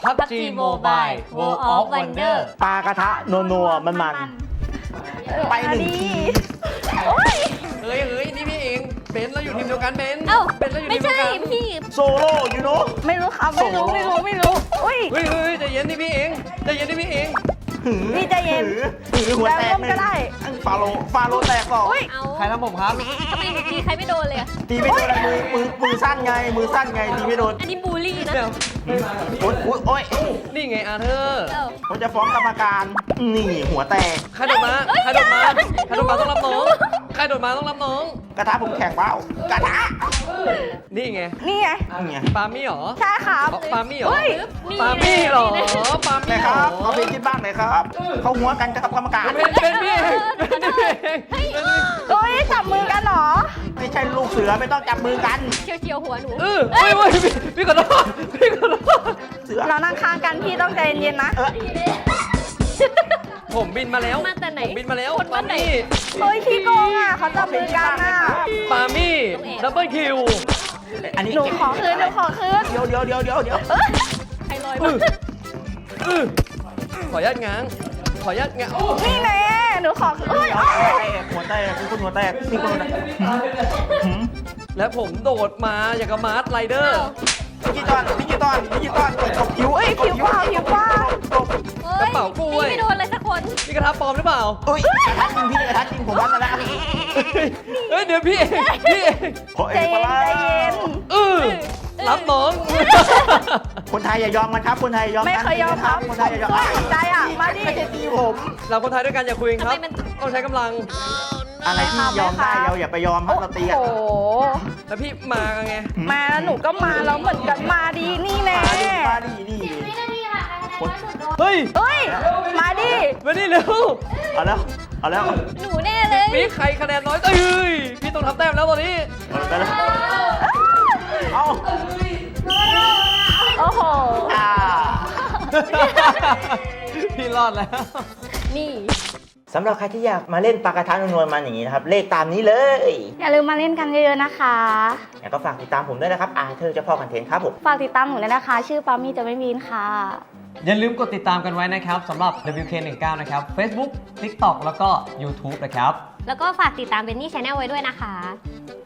PUBG Mobile World of Wonder ปลากระทะนัวๆมันๆไปหนึ่งทีโอ้ยเฮ้ยนี่พี่เองเบนซ์เราอยู่ทีมเดียวกันเบนซ์เอ้าเบนซ์เราอยู่ไม่ทีมเดีใช่ยวกันพี่โซโล่ยูโน่ไม่รู้ครับไม่รู้อุ้ยเฮ้ยใจเย็นนี่พี่เองใจเย็นนี่พี่เองพี่ใจเย็นหือหัวแตกแล้วร่วมก็ได้ฟาโลแตกสองอุ้ยเอาใครทำผมครับทำไมหนูตีใครไม่โดนเลยอะตีไม่โดนอะไรมือสั้นไงตีไม่โดนอันนี้บูลลี่นะเดี๋ยวโอ๊ยนี่ไงอาเธอร์เอ้าผมจะฟ้องกรรมการนี่หัวแตกใครโดดมาใครโดดมาต้องรับน้องใครโดดมาต้องรับน้องกระทะผมแข็งเปล่ากระทะนี่ไงนี่ไงนี่ไงปามี่เหรอใช่ครับปามี่เหรอเฮ้ยปามี่เหรอปาไหนมี่คเหรรัอบเอาเพลงคิดบ้างหน่อยครับเขาหัวกันกับกรรมการเป็นพี่เองเป็นพี่เองเฮ้ยจับมือกันเหรอไม่ใช่ลูกเสือไม่ต้องจับมือกันเฉียวหัวหนูเฮ้ยพี่ขอโทษพี่ขอโทษเสือเรานั่งข้างกันพี่ต้องใจเย็นๆนะผมบินมาแล้วมาแต่ไหนผมบินมาแล้วคนบ้านไหนเฮ้ยขี้โกงอ่ะเขาจับมือกันอ่ะปามี่ดับเบิลคิวอันนี้หนูขอคืนเดี๋ยวใครลอยอื้มาขออนุญาตง้างโอ้นี่แน่หนูขอคืนเอ้ยหัวแตกมีคนหัวแตกและผมโดดมาอย่างกับมาร์ทไรเดอร์ดิจิตอลตบผิวเอ้ยผิวเปล่ากระเป๋ากล้วยตีไม่โดนเลยสักคนนี่กระทะปลอมหรือเปล่าเอ้ยกระทะจริงพี่กระทะจริงผมวัดมาแล้วเฮ้ยเดี๋ยวพี่เองพี่เองใจเย็นรับน้องคนไทยอย่ายอมกันครับคนไทยอย่ายอมไม่กันเคยยอมครับคนไทยอย่ายอมสนใจอ่ะมาดิไม่ใช่ตีผมเราคนไทยด้วยกันอย่าคุยกันครับทำไมมันต้องใช้กำลังอะไรที่ยอมได้เราอย่าไปยอมครับเราตีกันโอ้โหแล้วพี่มาไงมาแล้วหนูก็มาแล้วเหมือนกันมาดีนี่แน่มาดินี่เฮ้ยเอ้ยมาดิมานี่เร็วเอาแล้วหนูแน่เลยพี่ใครคะแนนน้อยเอ้ยพี่ต้องทำแต้มแล้วตอนนี้เอาโอ้โหพี่รอดแล้วนี่สำหรับใครที่อยากมาเล่นปลากระทะนวลๆมันอย่างนี้นะครับเลขตามนี้เลยอย่าลืมมาเล่นกันเยอะๆนะคะแล้วก็ฝากติดตามผมด้วยนะครับเธอเจ้าพ่อคอนเทนต์ครับผมฝากติดตามหนูด้วยนะคะ ชื่อปามี่จะไม่มีนค่ะอย่าลืมกดติดตามกันไว้นะครับสำหรับ WK19 นะครับ Facebook TikTok แล้วก็ YouTube นะครับแล้วก็ฝากติดตามเบนนี่ชาแนลไว้ด้วยนะคะ